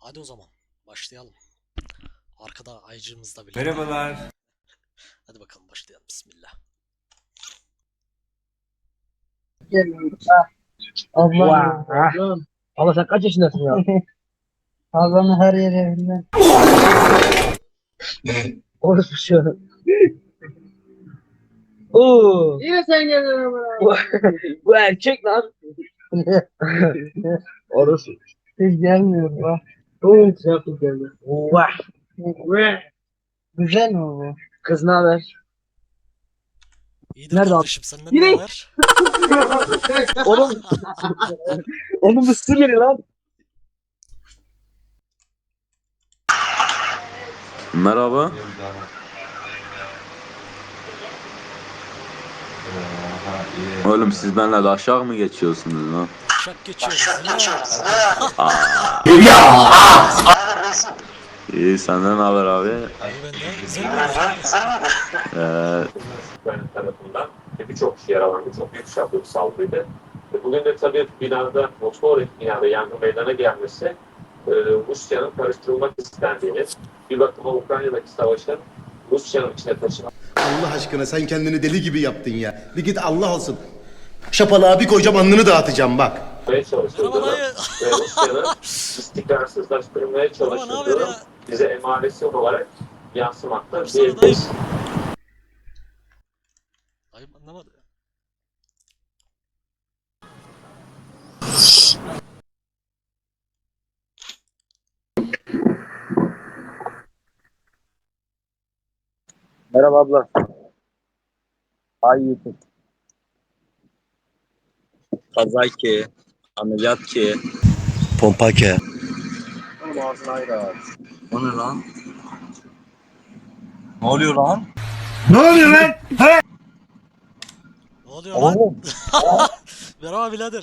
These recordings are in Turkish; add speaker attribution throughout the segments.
Speaker 1: Hadi o zaman başlayalım. Arkada ayıcığımız da bile.
Speaker 2: Merhabalar.
Speaker 1: Hadi bakalım başlayalım. Bismillah.
Speaker 3: Allah. Allah sen kaç yaşındasın ya? Allah'ın her yeri evinden. Orası şu. Oo. Yine sen geldin ama. Bu erkek lan. Orası. Hiç gelmiyor bak. Oo trafik geldi. Vah. Güzel mi bu? Kız ne haber?
Speaker 1: İyidir
Speaker 3: Nerede
Speaker 1: kardeşim, senden
Speaker 3: Yine-
Speaker 1: ne var?
Speaker 3: Oğlum. Oğlum bu su geliyor lan.
Speaker 4: Merhaba. Oğlum siz benimle de aşağı mı geçiyorsunuz lan?
Speaker 1: Şak geçiyoruz
Speaker 4: İyi senden ne haber abi?
Speaker 1: İyi benden. Güzel mi?
Speaker 5: güvenlik tarafından birçok kişi yaralandı. Çok büyük çaplı bir saldırıydı. Bugün de tabii binada motor binada yangın meydana gelmesi Rusya'nın karıştırılmak istendiğini, bir bakıma Ukrayna'daki savaşın Rusya'nın içine taşınmaya
Speaker 6: Allah aşkına sen kendini deli gibi yaptın ya. Bir git Allah olsun. Şapalığa bir koyacağım alnını dağıtacağım bak.
Speaker 5: çalışıldığını
Speaker 1: Merhaba
Speaker 5: ve Rusya'nın istikrarsızlaştırmaya
Speaker 1: Merhaba, ne haber
Speaker 5: çalışıldığını
Speaker 1: ya?
Speaker 5: bize emaresi olarak yansımakta
Speaker 1: Baksana dayı.
Speaker 5: diyebiliriz.
Speaker 1: Dayım anlamadı.
Speaker 7: Merhaba abla. Ay YouTube. Kaza ki, ameliyat ki.
Speaker 6: Pompa ke.
Speaker 7: Oğlum ağzını ayrı abi. O ne lan? Ne oluyor lan?
Speaker 1: Ne oluyor lan?
Speaker 7: Oğlum.
Speaker 1: Merhaba birader.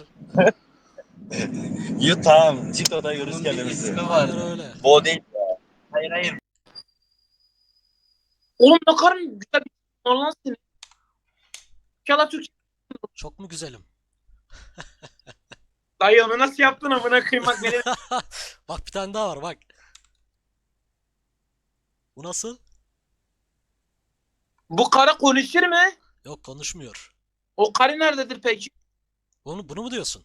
Speaker 7: Yut tamam. TikTok'ta görürüz kendimizi.
Speaker 1: Aynen öyle.
Speaker 7: Bu o değil ya. Hayır hayır.
Speaker 8: Oğlum ne kadar güzel bir lan seni. İnşallah Türkçe.
Speaker 1: Çok mu güzelim?
Speaker 8: Dayı onu nasıl yaptın amına koyayım bak beni.
Speaker 1: Bak bir tane daha var bak. Bu nasıl?
Speaker 8: Bu karı konuşur mu?
Speaker 1: Yok, konuşmuyor.
Speaker 8: O karı nerededir peki?
Speaker 1: Bunu mu diyorsun?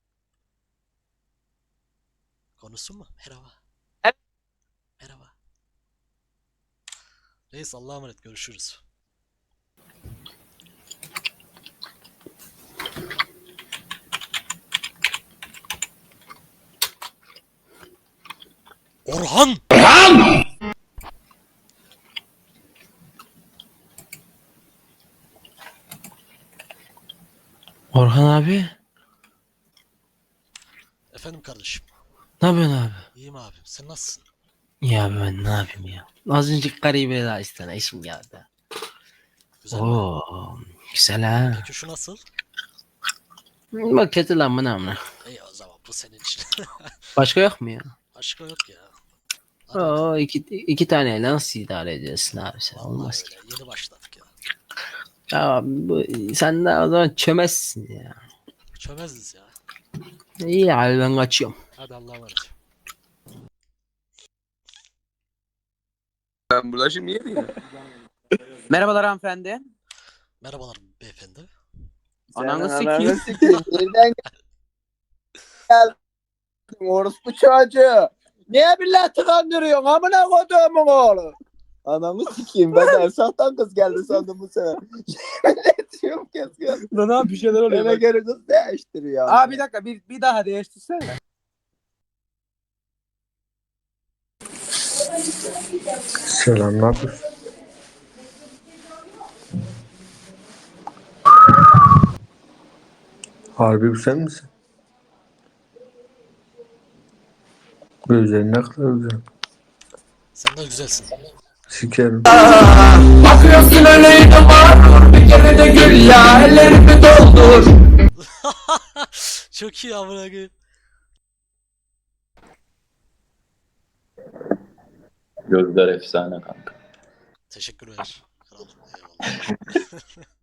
Speaker 1: Konuşsun mu? Merhaba.
Speaker 8: Evet.
Speaker 1: Merhaba. Reis, Allah'a emanet, görüşürüz. Orhan!
Speaker 9: Orhan abi,
Speaker 1: Efendim kardeşim.
Speaker 9: ne yapıyorsun abi?
Speaker 1: İyiyim abim. Sen nasılsın?
Speaker 9: Ya abi ben ne yapayım ya? Az önce garibe daha istene işim geldi.
Speaker 1: Güzel mi?
Speaker 9: Oo, güzel ha.
Speaker 1: Peki şu nasıl?
Speaker 9: Bak kötü lan bu ne amına.
Speaker 1: İyi o zaman, bu senin için.
Speaker 9: Başka yok mu ya?
Speaker 1: Başka yok ya. Hadi bakalım.
Speaker 9: Oo, iki taneyle nasıl idare ediyorsun abi sen?
Speaker 1: Vallahi
Speaker 9: Olmaz ki.
Speaker 1: öyle. Yeni başladık ya.
Speaker 9: Ya sen de o zaman çömezsin ya.
Speaker 1: Çömeziz ya.
Speaker 9: İyi abi ben kaçıyorum.
Speaker 1: Hadi Allah'a emanet.
Speaker 7: Ben burada şimdi yedim ya.
Speaker 8: Merhabalar hanımefendi.
Speaker 1: Merhabalar beyefendi.
Speaker 8: Ananı sikeyim.
Speaker 7: Nereden geldin? Orospu çocuğu. Niye milleti kandırıyorsun? Amına koduğumun oğlu. Anamı sikeyim. Ben de Ersah'tan kız geldi sandım bu sefer. Ne diyorum kesin.
Speaker 8: Lan abi bir şeyler oluyor.
Speaker 7: Bana göre kız değiştiriyor.
Speaker 8: Abi bir dakika bir daha değiştirsene.
Speaker 3: Selam, ne yapıyorsun? Harbi bu sen misin? Gözlerin ne kadar güzel.
Speaker 1: Sen de güzelsin.
Speaker 3: Sikerim.
Speaker 2: Bakıyorsun öyle var. Bir kere de gül ya. Ellerimi doldur.
Speaker 1: Çok iyi amına koyayım.
Speaker 4: Gözler efsane kanka.
Speaker 1: Teşekkürler. Kralım. Eyvallah.